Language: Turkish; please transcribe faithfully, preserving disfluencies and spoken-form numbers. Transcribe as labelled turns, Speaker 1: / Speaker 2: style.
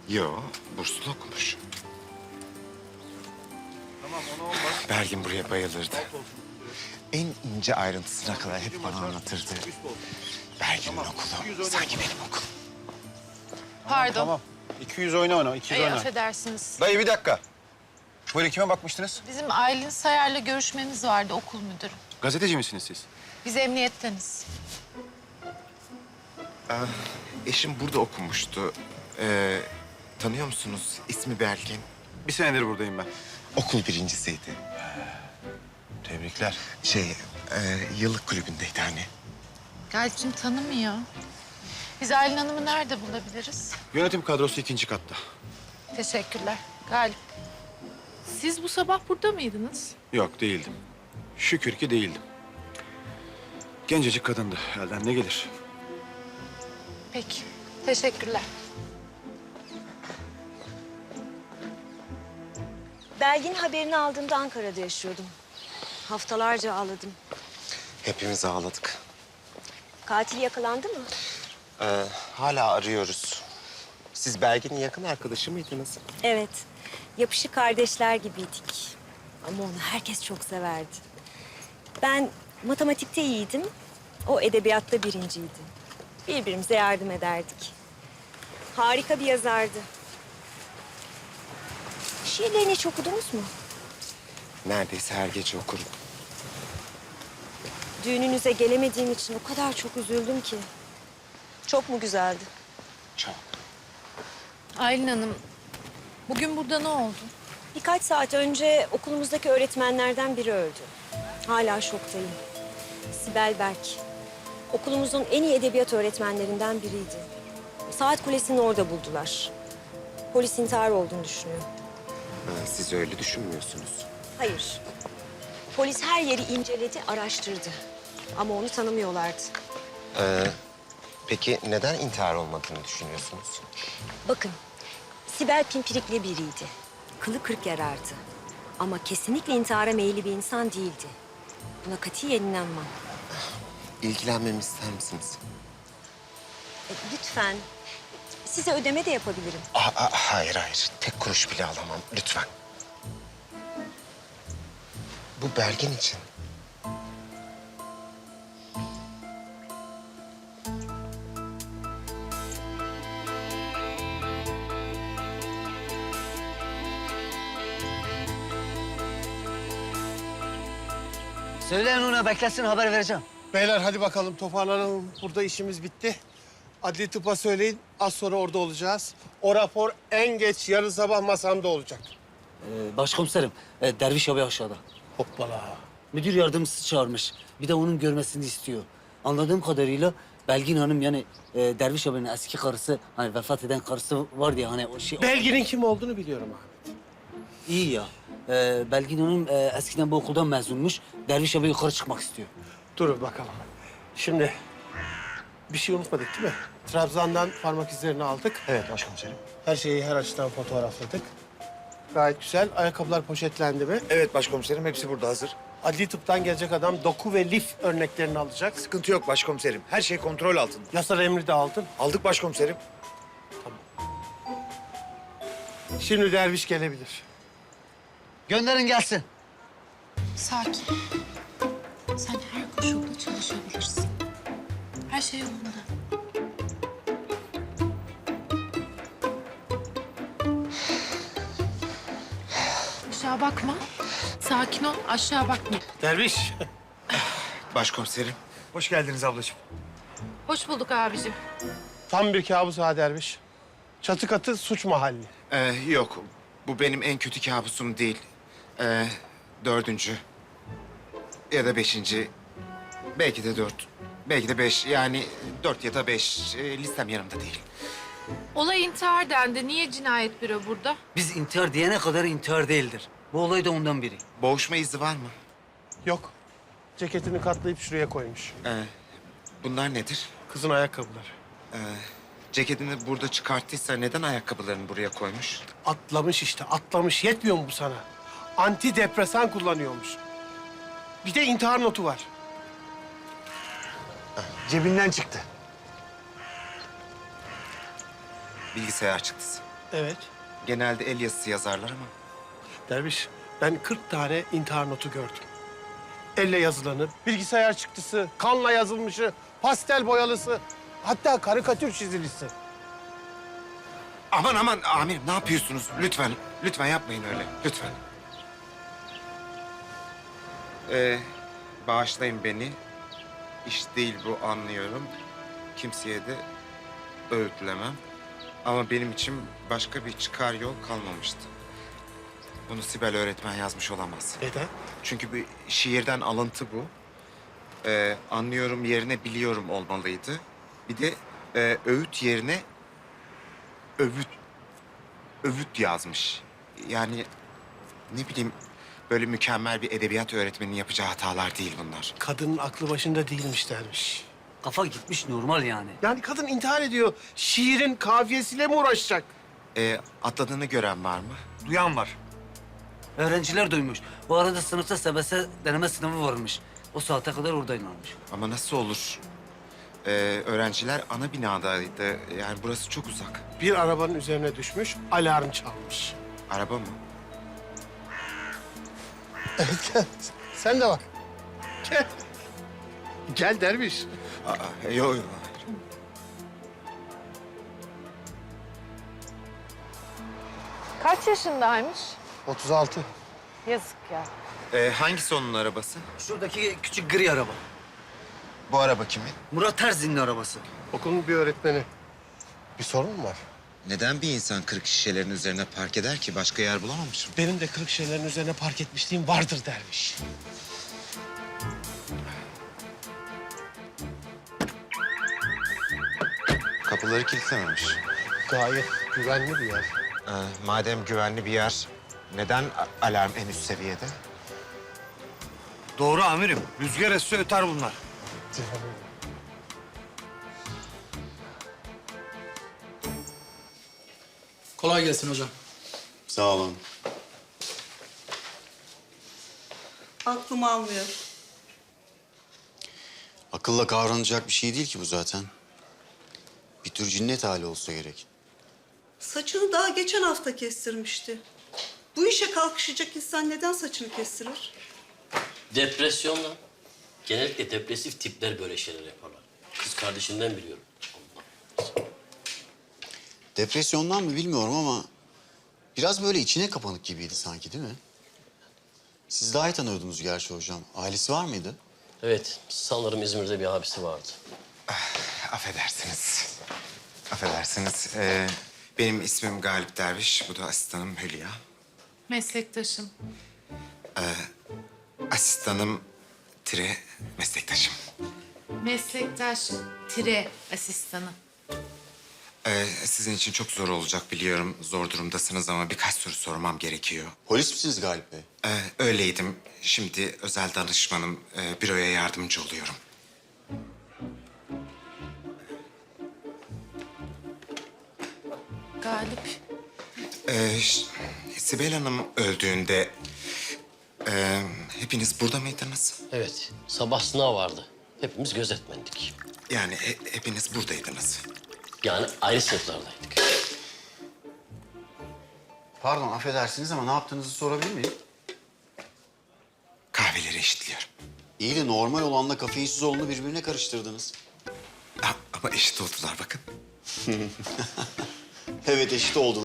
Speaker 1: Yo, burslu okumuş.
Speaker 2: Tamam ona olmaz.
Speaker 1: Belgin buraya bayılırdı.
Speaker 2: Alt olsun.
Speaker 1: En ince ayrıntısına kadar hep bana anlatırdı.
Speaker 2: Üst olsun.
Speaker 1: Belgin'in
Speaker 2: Tamam, iki
Speaker 1: okulu
Speaker 2: yüz
Speaker 1: sanki
Speaker 2: oynayalım.
Speaker 1: benim okulum.
Speaker 3: Pardon.
Speaker 2: Tamam. iki yüz oyna oyna. iki yüz
Speaker 3: Ey,
Speaker 2: oyna.
Speaker 3: affedersiniz.
Speaker 4: Dayı bir dakika. Böyle kime bakmıştınız?
Speaker 3: Bizim Aylin Sayar'la görüşmemiz vardı, okul müdürü.
Speaker 4: Gazeteci misiniz siz?
Speaker 3: Biz emniyetteniz.
Speaker 1: Eşim burada okumuştu. Ee, tanıyor musunuz? İsmi Belgin.
Speaker 4: Bir senedir buradayım ben.
Speaker 1: Okul birincisiydi.
Speaker 4: Tebrikler.
Speaker 1: Şey, e, yıllık kulübündeydi hani.
Speaker 3: Galip'cim tanımıyor. Biz Aylin Hanım'ı nerede bulabiliriz?
Speaker 4: Yönetim kadrosu ikinci katta.
Speaker 3: Teşekkürler. Galip. Siz bu sabah burada mıydınız?
Speaker 4: Yok değildim. Şükür ki değildim. Gencecik kadındı. Elden ne gelir?
Speaker 3: Peki. Teşekkürler.
Speaker 5: Belgin haberini aldığımda Ankara'da yaşıyordum. Haftalarca ağladım.
Speaker 1: Hepimiz ağladık.
Speaker 5: Katil yakalandı mı?
Speaker 1: Ee, hala arıyoruz. Siz Belgin'in yakın arkadaşı mıydınız?
Speaker 5: Evet. Yapışık kardeşler gibiydik. Ama onu herkes çok severdi. Ben matematikte iyiydim. O edebiyatta birinciydi. Birbirimize yardım ederdik. Harika bir yazardı. Şiirlerini hiç okudunuz mu?
Speaker 1: Neredeyse her gece okurum.
Speaker 5: Düğününüze gelemediğim için o kadar çok üzüldüm ki. Çok mu güzeldi?
Speaker 1: Çok.
Speaker 3: Aylin Hanım, bugün burada ne oldu?
Speaker 5: Birkaç saat önce okulumuzdaki öğretmenlerden biri öldü. Hala şoktayım. Sibel Berk. Okulumuzun en iyi edebiyat öğretmenlerinden biriydi. Saat Kulesi'ni orada buldular. Polis intihar olduğunu düşünüyor.
Speaker 1: Ha, siz öyle düşünmüyorsunuz.
Speaker 5: Hayır. Polis her yeri inceledi, araştırdı. Ama onu tanımıyorlardı.
Speaker 1: Ee, peki neden intihar olmadığını düşünüyorsunuz?
Speaker 5: Bakın, Sibel pimpirikli biriydi. Kılı kırk yarardı. Ama kesinlikle intihara meyilli bir insan değildi. Buna katiyen inanmam.
Speaker 1: İlgilenmemi ister misiniz?
Speaker 5: E, lütfen. Size ödeme de yapabilirim.
Speaker 1: Aa, aa, hayır hayır. Tek kuruş bile alamam. Lütfen. Bu Belgin için.
Speaker 6: Söyleyin ona beklesin, haber vereceğim.
Speaker 2: Beyler hadi bakalım toparlanalım. Burada işimiz bitti. Adli tıpa söyleyin. Az sonra orada olacağız. O rapor en geç yarın sabah masamda olacak.
Speaker 6: Ee, başkomiserim, e, Derviş abi aşağıda.
Speaker 2: Hoppala.
Speaker 6: Müdür yardımcısı çağırmış. Bir de onun görmesini istiyor. Anladığım kadarıyla Belgin Hanım yani e, Derviş abinin eski karısı, hani vefat eden karısı var diye hani o şey...
Speaker 2: Belgin'in kim olduğunu biliyorum Ahmet.
Speaker 6: İyi ya. Ee, Belgin Hanım e, eskiden bu okuldan mezunmuş. Derviş abi yukarı çıkmak istiyor.
Speaker 2: Durun bakalım. Şimdi bir şey unutmadık değil mi? Trabzon'dan parmak izlerini aldık.
Speaker 4: Evet başkomiserim.
Speaker 2: Her şeyi her açıdan fotoğrafladık. Gayet güzel. Ayakkabılar poşetlendi mi?
Speaker 7: Evet başkomiserim, hepsi burada hazır.
Speaker 2: Adli tıptan gelecek adam doku ve lif örneklerini alacak.
Speaker 7: Sıkıntı yok başkomiserim. Her şey kontrol altında.
Speaker 2: Yasal emri de aldın.
Speaker 7: Aldık başkomiserim.
Speaker 2: Şimdi derviş gelebilir.
Speaker 6: Gönderin gelsin.
Speaker 3: Sakin. Sen her koşulda çalışabilirsin. Her şey yolunda. Aşağı bakma. Sakin ol, aşağı bakma.
Speaker 2: Derviş.
Speaker 1: Başkomiserim.
Speaker 7: Hoş geldiniz ablacığım.
Speaker 3: Hoş bulduk abicim.
Speaker 2: Tam bir kabus ha derviş. Çatı katı suç mahalli.
Speaker 1: Ee, yok. Bu benim en kötü kabusum değil. Ee, dördüncü. Ya da beşinci. Belki de dört. Belki de beş. Yani dört ya da beş. Ee, listem yanımda değil.
Speaker 3: Olay intihar dendi. Niye cinayet büro burada?
Speaker 6: Biz intihar diyene kadar intihar değildir. Bu olay da ondan biri.
Speaker 1: Boğuşma izi var mı?
Speaker 2: Yok. Ceketini katlayıp şuraya koymuş.
Speaker 1: Ee, bunlar nedir?
Speaker 2: Kızın ayakkabıları.
Speaker 1: Ee, ceketini burada çıkarttıysa neden ayakkabılarını buraya koymuş?
Speaker 2: Atlamış işte, atlamış. Yetmiyor mu bu sana? Antidepresan kullanıyormuş. Bir de intihar notu var.
Speaker 7: Cebinden çıktı.
Speaker 1: Bilgisayar çıktısı.
Speaker 2: Evet.
Speaker 1: Genelde el yazısı yazarlar ama.
Speaker 2: Derviş, ben kırk tane intihar notu gördüm. Elle yazılanı, bilgisayar çıktısı, kanla yazılmışı, pastel boyalısı, hatta karikatür çizilisi.
Speaker 1: Aman aman amirim ne yapıyorsunuz? Lütfen, lütfen yapmayın öyle. Lütfen. Ee, bağışlayın beni. İş değil bu anlıyorum. Kimseye de öğütlemem. Ama benim için başka bir çıkar yol kalmamıştı. Bunu Sibel öğretmen yazmış olamaz.
Speaker 2: Neden?
Speaker 1: Çünkü bir şiirden alıntı bu. Ee, anlıyorum yerine biliyorum olmalıydı. Bir de e, öğüt yerine övüt, övüt yazmış. Yani ne bileyim böyle mükemmel bir edebiyat öğretmeninin yapacağı hatalar değil bunlar.
Speaker 2: Kadının aklı başında değilmiş dermiş.
Speaker 6: Kafa gitmiş normal yani.
Speaker 2: Yani kadın intihar ediyor. Şiirin kafiyesiyle mi uğraşacak?
Speaker 1: Ee, atladığını gören var mı?
Speaker 7: Duyan var.
Speaker 6: Öğrenciler duymuş. Bu arada sınıfta S B S deneme sınavı varmış. O saate kadar oradaymış.
Speaker 1: Ama nasıl olur? Ee, öğrenciler ana binadaydı. Yani burası çok uzak.
Speaker 2: Bir arabanın üzerine düşmüş, alarm çalmış.
Speaker 1: Araba mı?
Speaker 2: Gel, sen de bak. Gel. Gel derviş.
Speaker 1: Aa, yok yok.
Speaker 3: Kaç yaşındaymış?
Speaker 2: otuz altı.
Speaker 3: Yazık ya.
Speaker 1: Ee, hangisi onun arabası?
Speaker 6: Şuradaki küçük gri araba.
Speaker 1: Bu araba kimin?
Speaker 6: Murat Terzi'nin arabası.
Speaker 2: Okulun bir öğretmeni. Bir sorun mu var?
Speaker 1: Neden bir insan kırık şişelerin üzerine park eder ki? Başka yer bulamamış mı?
Speaker 2: Benim de kırık şeylerin üzerine park etmişliğim vardır derviş.
Speaker 1: Kapıları kilitlememiş.
Speaker 2: Gayet güvenli bir yer.
Speaker 1: Ee, madem güvenli bir yer, neden a- alarm en üst seviyede?
Speaker 7: Doğru amirim. Rüzgar esse öter bunlar.
Speaker 8: Kolay gelsin hocam.
Speaker 9: Sağ olun.
Speaker 10: Aklım almıyor.
Speaker 9: Akılla kavranacak bir şey değil ki bu zaten. Bir tür cinnet hali olsa gerek.
Speaker 10: Saçını daha geçen hafta kestirmişti. Bu işe kalkışacak insan neden saçını kestirir?
Speaker 11: Depresyonla. Genellikle depresif tipler böyle şeyler yaparlar. Kız kardeşinden biliyorum.
Speaker 9: Depresyondan mı bilmiyorum ama... ...biraz böyle içine kapanık gibiydi sanki değil mi? Siz daha iyi tanıyordunuz gerçi hocam. Ailesi var mıydı?
Speaker 11: Evet, sanırım İzmir'de bir abisi vardı.
Speaker 1: Affedersiniz. Affedersiniz. Ee, benim ismim Galip Derviş. Bu da asistanım Hülya.
Speaker 3: Meslektaşım.
Speaker 1: Asistanım tire meslektaşım.
Speaker 3: Meslektaş tire asistanı.
Speaker 1: Ee, sizin için çok zor olacak biliyorum. Zor durumdasınız ama birkaç soru sormam gerekiyor.
Speaker 9: Polis misiniz Galip Bey?
Speaker 1: Ee, öyleydim. Şimdi özel danışmanım. Ee, büroya yardımcı oluyorum.
Speaker 3: Galip.
Speaker 1: Ee, ş- Sibel Hanım öldüğünde... e, hepiniz burada mıydınız?
Speaker 11: Evet, sabah sınav vardı. Hepimiz gözetmendik.
Speaker 1: Yani he- hepiniz buradaydınız.
Speaker 11: Yani ayrı sınıflardaydık.
Speaker 9: Pardon affedersiniz ama ne yaptığınızı sorabilir miyim?
Speaker 1: Kahveleri eşitliyorum.
Speaker 9: İyi de normal olanla kafeinsiz olanı birbirine karıştırdınız.
Speaker 1: Ha, ama eşit oldular bakın.
Speaker 9: Evet eşit oldu.